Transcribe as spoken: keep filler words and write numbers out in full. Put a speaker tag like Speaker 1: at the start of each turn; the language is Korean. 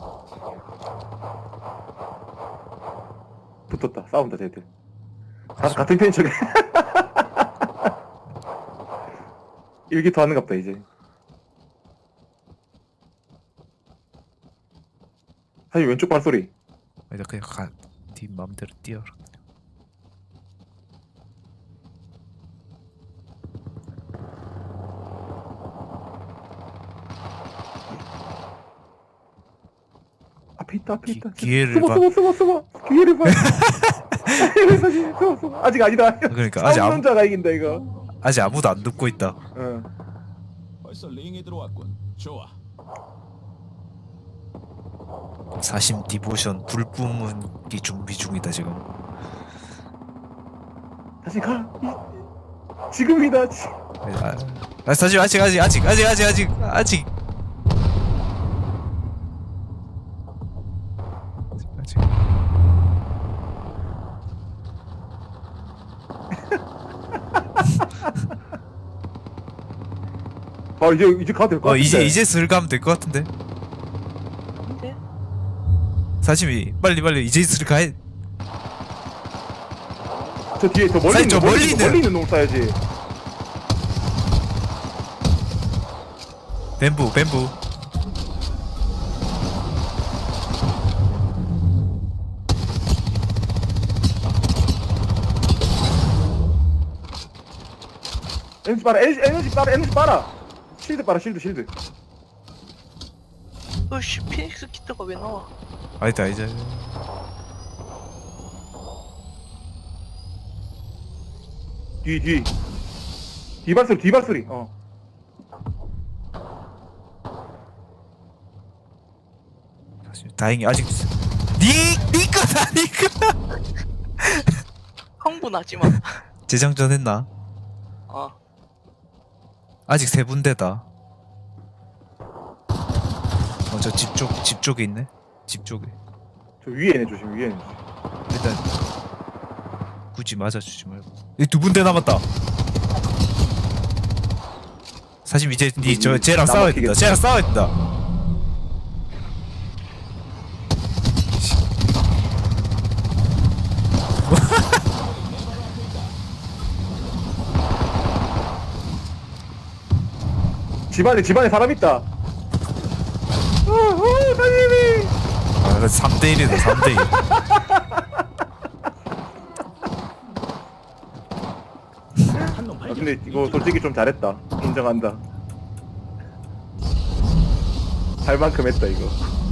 Speaker 1: 붙었다. 싸운다 쟤들. 다 같은 편인 척해. 일기토 하는갑다 이제. 사실 왼쪽 발소리.
Speaker 2: 아니다 그냥 가. 네 맘대로 뛰어라.
Speaker 1: 앞에 있다 앞에
Speaker 2: 기-
Speaker 1: 있다.
Speaker 2: 기회를
Speaker 1: 숨어
Speaker 2: 봐.
Speaker 1: 숨어 숨어 숨어. 기회를 봐. 숨어 숨어. 아직 아니다.
Speaker 2: 그러니까 아직 아무
Speaker 1: 자가 이긴다 이거.
Speaker 2: 아직 아무도 안 듣고 있다.
Speaker 1: 응.
Speaker 3: 벌써 링에 들어왔군. 좋아.
Speaker 2: 사심 디보션 불 뿜기 준비 중이다 지금.
Speaker 1: 다시 가. 이, 지금이다. 지.
Speaker 2: 아, 아 사실 아직 아직 아직 아직 아직 아직 아직 아직
Speaker 1: 아 이제 이제 가도 될 것
Speaker 2: 어
Speaker 1: 같은데.
Speaker 2: 이제 이제 슬 가면 될 것 같은데.
Speaker 4: 근데
Speaker 2: 사심이 빨리 빨리 이제 슬 가야.
Speaker 1: 저 뒤에 저 멀리
Speaker 2: 사실
Speaker 1: 있는
Speaker 2: 저
Speaker 1: 멀리,
Speaker 2: 멀리
Speaker 1: 있는
Speaker 2: 있는-
Speaker 1: 멀리 있는 놈 쏴야지.
Speaker 2: 뱀부 뱀부.
Speaker 1: 에너지 빨아 에너지, 에너지 빨아 에너지 빨아. 실드 빨아 실드 실드.
Speaker 4: 어씨 피닉스 키트가 왜 나와?
Speaker 2: 아니다 이제
Speaker 1: 뒤 뒤. 뒤발소리 뒤발소리. 어.
Speaker 2: 사실 다행히 아직 니니 거다 니 거.
Speaker 4: 흥분하지 마.
Speaker 2: 재장전 했나?
Speaker 4: 어.
Speaker 2: 아직 세 군데다. 어 저 집 쪽 집 쪽에 있네. 집 쪽에.
Speaker 1: 저 위에 내 조심 위에.
Speaker 2: 일단 굳이 맞아주지 말고. 이 두 군데 남았다. 사실 이제 니 저 쟤랑 싸워야 된다. 쟤랑 싸워야 된다.
Speaker 1: 집안에 집안에 사람 있다. 어어 사장님이.
Speaker 2: 아, 삼 대 일이다. 삼 대 일.
Speaker 3: 한놈
Speaker 1: 아,
Speaker 3: 발견.
Speaker 1: 근데 이거 솔직히 좀 잘했다. 인정한다. 할 만큼 했다 이거.